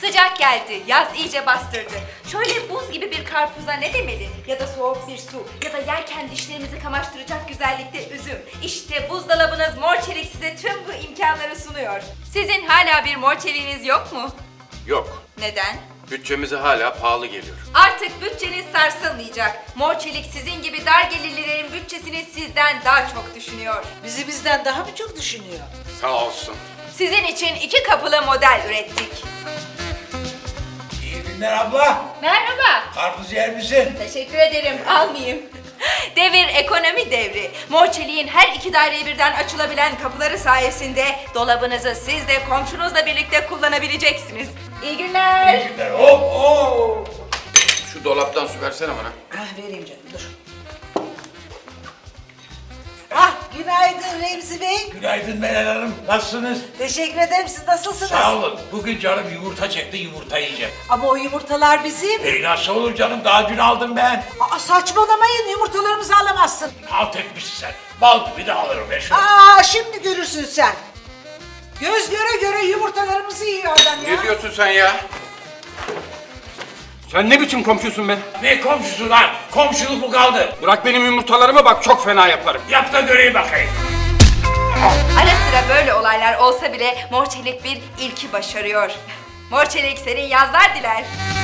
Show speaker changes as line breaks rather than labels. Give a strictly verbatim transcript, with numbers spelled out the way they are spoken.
Sıcak geldi, yaz iyice bastırdı. Şöyle buz gibi bir karpuza ne demeli? Ya da soğuk bir su, ya da yerken dişlerimizi kamaştıracak güzellikte üzüm. İşte buzdolabınız Mor Çelik size tüm bu imkanları sunuyor. Sizin hala bir Mor Çelik'iniz yok mu?
Yok.
Neden?
Bütçemize hala pahalı geliyor.
Artık bütçeniz sarsılmayacak. Mor Çelik sizin gibi dar gelirlilerin bütçesini sizden daha çok düşünüyor.
Bizi bizden daha mı çok düşünüyor?
Sağ olsun.
Sizin için iki kapılı model ürettik.
İyi günler abla.
Merhaba.
Karpuz yer misin?
Teşekkür ederim. Almayayım. Devir ekonomi devri. Mor Çelik'in her iki daireye birden açılabilen kapıları sayesinde dolabınızı siz de komşunuzla birlikte kullanabileceksiniz. İyi günler.
İyi günler. Hop hop.
Şu dolaptan su versene bana.
Ah vereyim canım dur. Ah günaydın Remzi Bey.
Günaydın Meral Hanım. Nasılsınız?
Teşekkür ederim, siz nasılsınız?
Sağ olun. Bugün canım yumurta çekti, yumurta yiyeceğim.
Ama o yumurtalar bizim.
E nasıl olur canım? Daha dün aldım ben.
Aa, saçmalamayın, yumurtalarımızı alamazsın.
Alt etmişsin sen. Bal gibi de alırım ben şunu.
Aa şimdi görürsün sen. Göz göre göre yumurtalarımızı yiyor adam ya.
Ne diyorsun sen ya? Sen ne biçim komşusun be?
Ne komşusu lan? Komşuluk mu kaldı?
Bırak benim yumurtalarımı bak çok fena yaparım.
Yap da göreyim bakayım.
Ara sıra böyle olaylar olsa bile Mor Çelik bir ilki başarıyor. Mor Çelik senin yazlar diler.